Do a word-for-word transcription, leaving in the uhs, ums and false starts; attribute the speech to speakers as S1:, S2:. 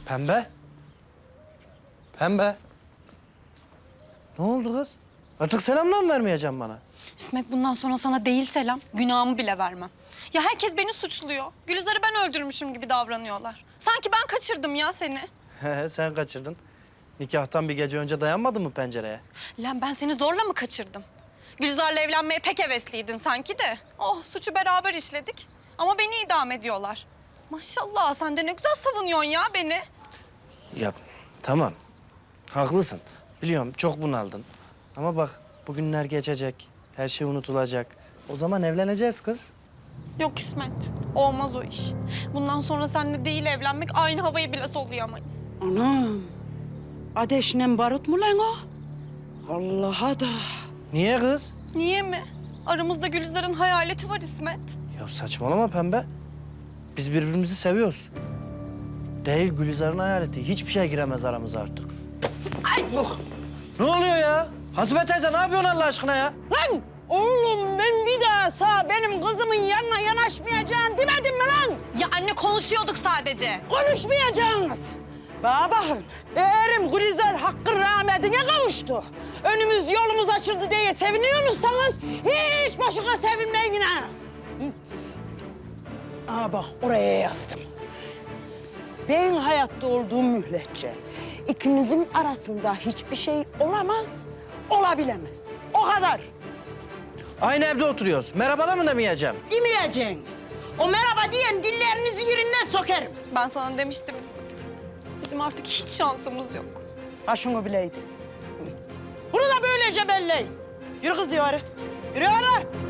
S1: Pembe? Pembe? Ne oldu kız? Artık selamdan mı vermeyeceğim bana?
S2: İsmet bundan sonra sana değil selam, günahımı bile vermem. Ya herkes beni suçluyor. Gülizar'ı ben öldürmüşüm gibi davranıyorlar. Sanki ben kaçırdım ya seni.
S1: He, sen kaçırdın. Nikahtan bir gece önce dayanmadın mı pencereye?
S2: Lan ben seni zorla mı kaçırdım? Gülizar'la evlenmeye pek hevesliydin sanki de. Oh suçu beraber işledik. Ama beni idam ediyorlar. Maşallah sen de ne güzel savunuyorsun ya beni.
S1: Ya tamam. Haklısın. Biliyorum çok bunaldın. Ama bak bugünler geçecek. Her şey unutulacak. O zaman evleneceğiz kız.
S2: Yok İsmet, olmaz o iş. Bundan sonra seninle değil evlenmek, aynı havayı bile soluyamayız.
S3: Anam, ateşle barut mu lan o? Allah'a da.
S1: Niye kız?
S2: Niye mi? Aramızda Gülizar'ın hayaleti var İsmet.
S1: Ya saçmalama Pembe. Biz birbirimizi seviyoruz. Değil Gülizar'ın hayaleti. Hiçbir şey giremez aramıza artık. Ay! Oh! Ne oluyor ya? Hasibe teyze ne yapıyorsun Allah aşkına ya?
S3: Lan oğlum ben bir daha sağ benim kızımın yanına yanaşmayacaksın demedim mi lan?
S2: Ya anne konuşuyorduk sadece.
S3: Konuşmayacaksınız. Bana bakın, eğerim Gülizar hakkın rahmetine kavuştu. Önümüz yolumuz açıldı diye seviniyor musunuz? Hiç boşuna sevinmeyin ha. Aa bak oraya yazdım. Ben hayatta olduğum müddetçe ikinizin arasında hiçbir şey olamaz, olabilemez. O kadar.
S1: Aynı evde oturuyoruz. Merhaba da mı demeyeceğim?
S3: Demeyeceğiniz. O merhaba diyen dillerinizi yerinden sokarım.
S2: Ben sana demiştim İsmet. Bizim artık hiç şansımız yok.
S3: Ha şunu bileydin. Bunu da böylece belleyin. Yürü kız yürü. Yürü yürü.